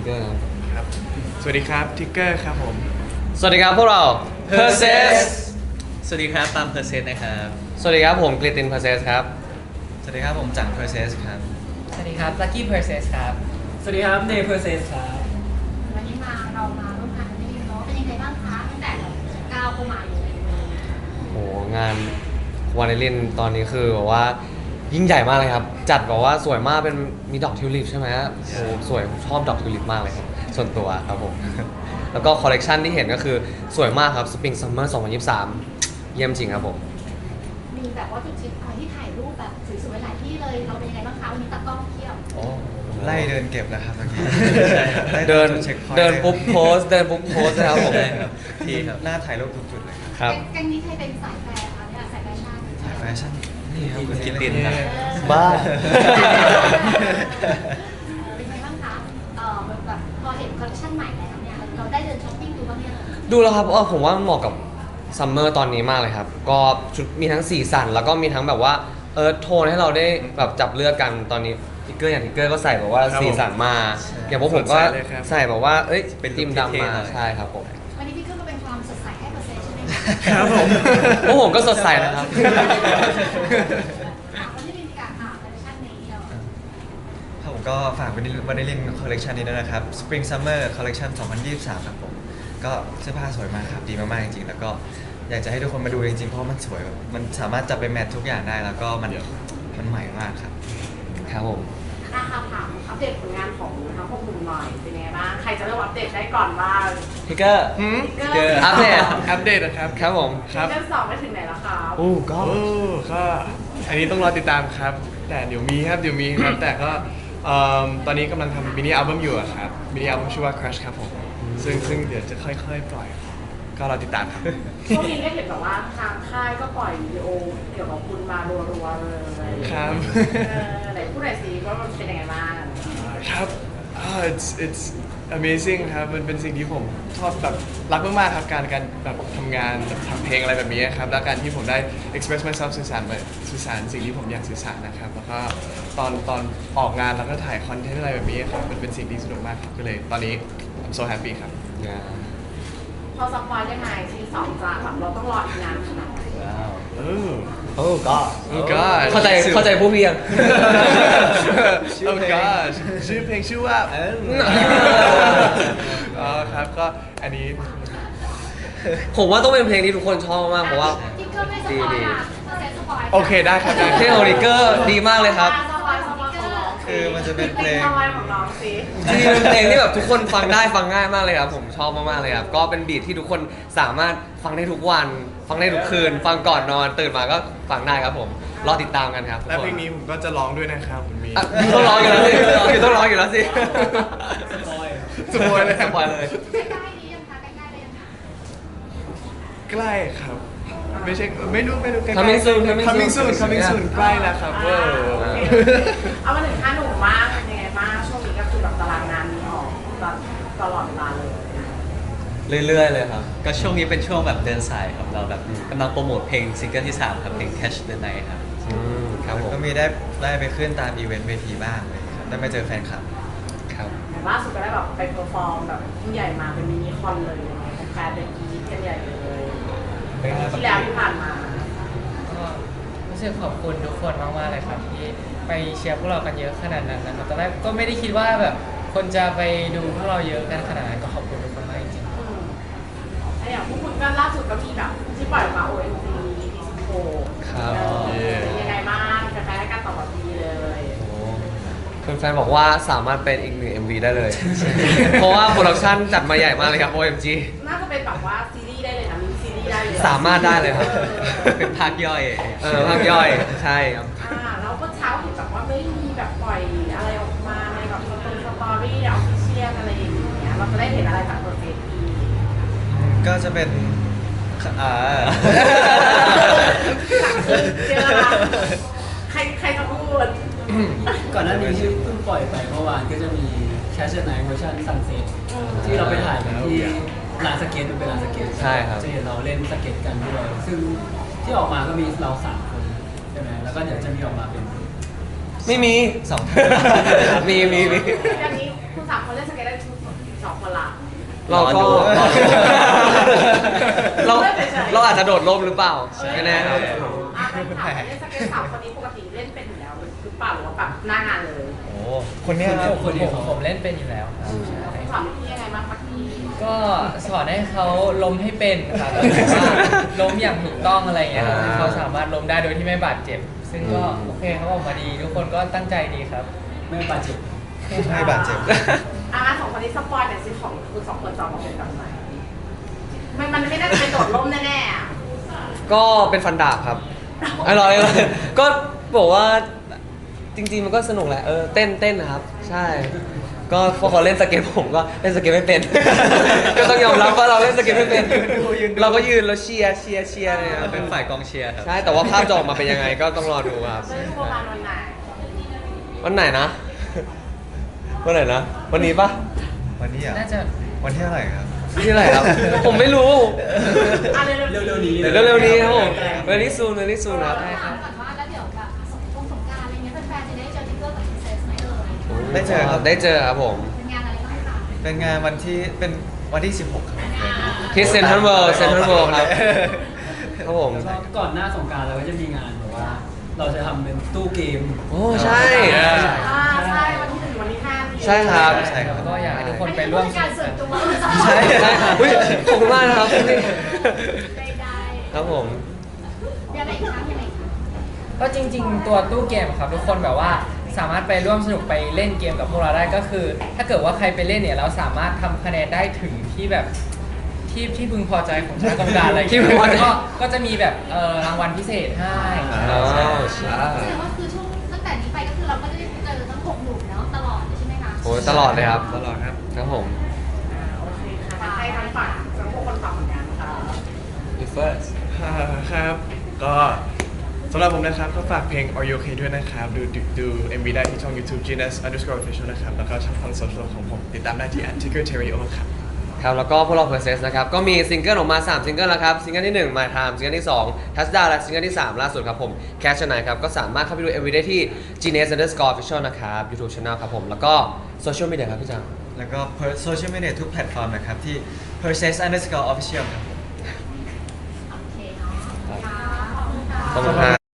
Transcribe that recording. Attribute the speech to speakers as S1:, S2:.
S1: เกอร์
S2: ครับสวัสดีครับทิกเกอร์ครับผม
S1: สวัสดีครับพวกเรา Perses
S3: สวัสดีครับตามเพอร์เซสนะครับ
S1: สวัสดีครับผมกลิติน Perses ครับ
S3: สวัสดีครับผมจังเพอร์เซสครับ
S4: สวัสดีครับ Lucky Perses ครับ
S5: สวัสดีครับเนเพอร์เซสครับ
S6: วันนี้เรามาร่วมงานกันที่เนาะเป็นยังไงบ้างคะตั้งแต่ก้าวเข้ามาอยู่ในนี้
S1: โหงานวานิลินตอนนี้คือแบบว่ายิ่งใหญ่มากเลยครับ จัดแบบว่าสวยมากเป็นมีดอกทิวลิปใช่ไหมโอ้สวยผมชอบดอกทิวลิปมากเลยครับส่วนตัวครับผม แล้วก็คอลเลกชันที่เห็นก็คือสวยมากครับ Spring Summer 2023 เยี่ยมจริงครับผม
S6: มีแบบว่าจุดชิปคอยที่ถ่ายรูปแบบสวยๆหลายที่เลยเราเป็นยังไงบ้างคะวันนี้ตากล้องเที่ยว
S3: โอ้ไล่เดินเก็บแล้วครับเมื่อกี้ไล่
S1: เดิน
S3: เช็คพอยต์
S1: เดินปุ๊บโพสเดินปุ๊บโพสนะครับผม
S3: ใช่ครับทีครับหน้าถ่ายรูปทุกจุดเลยครับ
S1: ครับ
S6: แก๊งนี้ใครเป็นสายแฟร์คะเนี่ยสายแฟชั่น
S3: ถ่ายแฟชั่นนี่ครับคุณกิตตินครับ
S1: บ้า
S6: เป็นไงบ้างคะแบบพอเห็นคอลเลคชั่นใหม่แล้วเนี่ยเราได้เดินช้อปปิ้งดูบ้างเนี่ย
S1: ดูแล้วครับผมว่ามันเหมาะกับซัมเมอร์ตอนนี้มากเลยครับ ก็ชุดมีทั้งสีสันแล้วก็มีทั้งแบบว่าโทนให้เราได้แบบจับเลือกกันตอนนี้ทิกเกอร์อย่างทิกเกอร์ก็ใส่แบบว่าสีสันมา อย่างพวกผมก็ใส่แบบว่าเป็นทีมดำมาใช่ครับผม
S6: วันนี้พี่ขึ้นมาเป็นความสดใสให้เปอร์เซ็นต์ใช่ไหมคะ
S2: ครับผม
S1: พวกผมก็สดใสนะครับ
S6: วันนี้มีการคอลเลคชั่นนี้เรา
S3: ครับผมก็ฝากวันนี้ลินคอลเลกชันนี้ด้วยนะครับ Spring Summer Collection 2023 ครับผมก็เสื้อผ้าสวยมากครับดีมากๆจริงๆแล้วก็อยากจะให้ทุกคนมาดูจริงๆเพราะมันสวยแบบมันสามารถจับไปแมททุกอย่างได้แล้วก็มันใหม่มากครับ
S1: ครับผม
S7: นะคะถามอัปเดตผลงานของทั้งพวกคุณหน่อยเป็นยังไงบ้างใครจะเริ่มอัปเดตได้ก่อนบ้าง
S1: ทิกเกอร์
S7: เกิร์
S1: อัปเดต
S2: อัปเดตนะครับ
S1: ครับผม
S2: ครับ
S7: เกิร์สองไปถึงไหนแล้วครับ
S1: โอ้ก็
S2: โอ้ก็อันนี้ต้องรอติดตามครับ แต่เดี๋ยวมีครับแต่ก็ตอนนี้กำลังทำมินิอัลบั้มอยู่อะครับมินิอัลบั้มชื่อว่า Crush ครับผมซึ่งเดี๋ยวจะค่อยๆปล่อย ก็รอติดตามครับ
S7: ช่วงนี้ได้เห็นแบบว่าทางค่ายก็ปล่อยวิดีโอเกี่ยวกับคุณมารัวๆเลย
S2: ครับ
S7: ไหนพูดหน่อยสิว่ามันเป็นยังไงบ้าง
S2: ครับ it's amazing ครับ มันเป็นสิ่งที่ผมชอบแบบรักมากๆครับการแบบทำงานแบบทำเพลงอะไรแบบนี้ครับ แล้วการที่ผมได้ express myself สื่อสารสิ่งที่ผมอยากสื่อสารนะครับ แล้วก็ตอนออกงานแล้วก็ถ่ายคอนเทนต์อะไรแบบนี้ครับ มันเป็นสิ่งที่สนุกมากครับก็เลยตอนนี้ I'm so happy ครับ
S7: พอสปอยได้ไหมซีสองจะแบบเราต้องรออีกนานขนาดไหน
S2: เออ
S1: โอ้ก็
S2: Oh God
S1: เข้าใจผู้เพียง
S2: Oh God ชื่อเพลงชื่อว่าอ๋อครับก็อันนี้
S1: ผมว่าต้องเป็นเพลงที่ทุกคนชอบมากเพราะว่า
S6: จิ๊กเกอร์ไม่สปอยอ่ะเปอร์เซ็นต์สปอย
S2: โอเคได้ครับได้
S1: เพลงของทิกเกอร์ดีมากเลยครับ
S7: สปอยของน้อง
S3: คือมันจะเป็นเพลง
S7: สปอยของน้องสิ
S1: จริงๆเป็นเพลงที่แบบทุกคนฟังได้ฟังง่ายมากเลยครับผมชอบมากๆเลยครับก็เป็นบีทที่ทุกคนสามารถฟังได้ทุกวัน ฟังได้ทุกคืน ฟังก่อนนอนตื่นมาก็ฟังได้ครับผมรอติดตามกันครับทุก
S2: และ
S1: คน
S2: เพลงนี้ผมก็จะร้องด้วยนะครับคุณมี
S1: อ่ะต้องร้องอยู่แล้วสิต้องร้องอยู่แล้วสิ
S2: สปอยเลย
S1: สปอยเลย
S6: ใกล้ๆนี้ยังคะใกล้ๆเลยยังคะ
S2: ใกล้ครับ ไม่ใช่ไม่รู้ใกล้ๆ
S1: Coming soon
S2: coming soon ใกล้แล้วครับเวอร์
S7: เอามาถึงห้าหนุ่มมากเป็นยังไงบ้างช่วงนี้ก็คือแบบตารางงานมีออกตลอดเวลาเลย
S1: เรื่อยๆเลยครับ
S3: ก็ช่วงนี้เป็นช่วงแบบเดินสายครับเราแบบกำลังโปรโมทเพลงซิงเกิลที่ 3 ครับเพลง Catch the Night ครับ
S1: ครับผม
S3: ก็มีได้ไปขึ้นตามอีเวนต์เวทีบ้างเลยครับได้มาเจอแฟนคลับ
S1: ครับ
S7: แต่ล่าสุดก็ได้แบบไปเพอร์ฟอร์มแบบยิ่งใหญ่มาเป็นมินิคอนเลยยังไงแฟนเป็นกรี๊ดกันใหญ่เลยที่แล้วที่ผ่านมา
S4: ก็รู้สึกขอบคุณทุกคนมากๆเลยครับที่ไปเชียร์พวกเรากันเยอะขนาดนั้นนะครับตอนแรกก็ไม่ได้คิดว่าแบบคนจะไปดูพวกเราเยอะกันขนาดนั้นก็ขอบคุณทุกคนมากจริงๆ
S7: ไอ้อย่างพวกคุณก็ล่าสุดก็มีแบบที่ปล่อยออกมา OMG ปี16
S1: ครับ
S7: เป็นยังไงบ้างแฟนๆให้การตอบรับดีเลย
S1: แฟนๆบอกว่าสามารถเป็นอีกหนึ่ง MV ได้เลย เพราะว่าโปรดักชั่นจัดมาใหญ่มากเลยครับ OMG
S7: น่าจะเป็นแบบว่าซีรีส์ได้เลยนะมินิซีรีส์ได้เลย
S1: สามารถได้เลยครับ
S3: เป็นภาคย่อย
S1: ภาคย่อยใช่ครับ
S7: แล้วก็เช้าเห็นแบบว่าไม่มีแบบปล่อยอะไรออกมาในแบบสตอรี่ออฟฟิเชียลอะไรอย่างเงี้ยเราจะได้เห็นอะไรจากตัวเฟซอีก
S3: ก็จะเป็นอ่า
S7: เจอละใครจะพูด
S5: ก่อนหน้านี้ที่เพิ่งปล่อยไปเมื่อวานก็จะมี Catch the Night เวอร์ชัน Sunset ที่เราไปถ่ายกันที่ลานสเก็ตมันเป็นลานสเก็ต
S1: ใช่ครับ
S5: จะเห็นเราเล่นสเก็ตกันด้วยซึ่งที่ออกมาก็มีเรา3 คนใช่ไหมแล้วก็เดี๋ยวจะมีออกมาเป็น
S1: ไม่มี
S3: 2
S1: มี
S7: อย่างนี้คุณ3 คนเล่นสเก็ตได้ทุกสองคนละ
S1: เราก็
S3: รอดู
S1: เราเราอาจจะโดดร่มหรือเปล่าไม่แน่ครับ
S7: เป็นถามเล่นสเก็ตสาวคนนี้ปกติเล่นเป็นอยู่แล้วหรือเปล่าหรือว่าแบบหน้างานเลย
S3: โอ้คนเนี้ยครับ
S4: ผมเล่นเป็นอยู่แล้วครับใช่
S7: สอนพี่ยังไงบ้างพี่
S4: ก็สอนให้เขาล้มให้เป็นครับว่าล้มอย่างถูกต้องอะไรอย่างเงี้ยครับให้เขาสามารถล้มได้โดยที่ไม่บาดเจ็บ ซึ่งก็โอเคเขาออกมาดี ทุกคนก็ตั้งใจดีครับ
S5: ไม่บาดเจ็บ
S3: ไม่บาดเจ็บ
S7: สองคนนี้สปอยหน่อยสิของคุณสองคนจะออกมาเป็นแบบไหนมันไม่น่าจะเป็นโดดร่มแน่ๆอ่ะ
S1: ก็เป็นฟันดาบครับอร่อยก็บอกว่าจริงๆมันก็สนุกแหละเต้นนะครับ ใช่ ก็พอเขาเล่นสเก็ตผมก็เล่นสเก็ตไม่เป็น ก็ต้องยอมรับว่าเราเล่นสเก็ตไม่เป็น เราก็ยืนแล้วเชียร์เลยครับ
S3: เป็นฝ่ายกองเชียร์ครับ
S1: ใช่แต่ว่าภาพจะออกมาเป็นยังไงก็ต้องรอดูครับ
S7: เล่นประมาณวันไหน
S1: วันไหนนะ วันไหนนะ วันนี้ปะ
S3: วันนี้อ่ะ
S4: น่าจะ
S3: วันที่เท่าไหร่ครับ
S1: ที่ไหนครับ ผมไม่รู้
S7: เร็ว
S5: เร็วๆนี้
S1: เดี๋ยวเร็วๆนี้ครับผมvery soon ครับ
S6: ถามก่อนว่าแล้วเดี๋ยวแบบสงกรานต์อะไรเงี้ยแฟนๆจะได้เจอทิกเกอร์กับพิเศษไหมเอ่ย
S3: ได้เจอครับ
S1: ได้เจอครับผม
S6: เป็นงานอะไรบ้างคะ
S3: เป็นงานเป็นวันที่ 16 ครับ
S1: ที่เซ็นทรัลเวิลด์ครับ ครับผม
S5: แล้วก็ก่อนหน้าสงกรานต์เราก็จะมีงานแบบว่า เราจะทำเป็นตู้เกม
S1: โอ้ใช่
S7: ใช่วันที่ 1 วันที่ 5
S1: ใช่ครับ
S3: ใช่ครับ
S4: ก็อยากให้ทุกคน
S6: อัน
S4: ไป
S6: นี้
S4: ร่วม
S6: เป็นการส่วนตัว
S1: ใช่ใช่อุ๊ยขอบคุณมากนะครับ
S6: ได้
S1: ครับผม
S6: ยังไงคะยังไงคะ
S4: ก็จริง ๆ ตัวตู้เกมครับทุกคนแบบว่าสามารถไปร่วมสนุกไปเล่นเกมกับพวกเราได้ก็คือ ถ้าเกิดว่าใครไปเล่นเนี่ยเราสามารถทำคะแนนได้ถึงที่แบบที่พึงพอใจของชาติกรรมการอะไรอย่าง
S1: ที่
S4: เงี้
S1: พึงพอใจ
S4: ยก็จะมีแบบรางวัลพิเศษให้
S1: อ๋อ
S4: ใช่
S1: ใช่
S6: แสดงว่าคือช่วงตั้งแต่นี้ไปก็คือเราก็จะได้เจอทั้ง6หนุ่มเนาะตลอดเลยใช่ไหมคะ
S1: โอ้ยตลอดเลยครับ
S3: ตลอดครับ
S1: ครับผม
S7: โอเคค่ะให้ทั้งฝั่งทั้งพวกคนฝั่งเหมือนกันค่ะ
S2: ครับ ก็สำหรับผมนะครับก็ฝากเพลง Are You Okay ด้วยนะครับ ดู MV ได้ที่ช่อง YouTube Genius_Official นะครับ แล้วก็ช่องทางโซเชียลของผมติดตามได้ที่ @TiggerTerrio ครับ
S1: ครับแล้วก็พวกเรา Process นะครับ ก็มีซิงเกิลออกมา 3 ซิงเกิลแล้วครับ ซิงเกิลที่ 1 My Time ซิงเกิลที่ 2 Touchdown และซิงเกิลที่ 3 ล่าสุดครับผม Catch a Night ครับ ก็สามารถเข้าไปดู MV ได้ที่ Genius_Official นะครับ YouTube Channel ครับผม แล้วก็โซเชียลมีเดียครับพี่จัง
S3: แล้วก็โซเชียลมีเดียทุกแพลตฟอร์มนะครับ ที่ process_official ครับผม
S6: โอเคเนาะค่ะขอบคุณค่ะ
S1: ขอบคุณครับ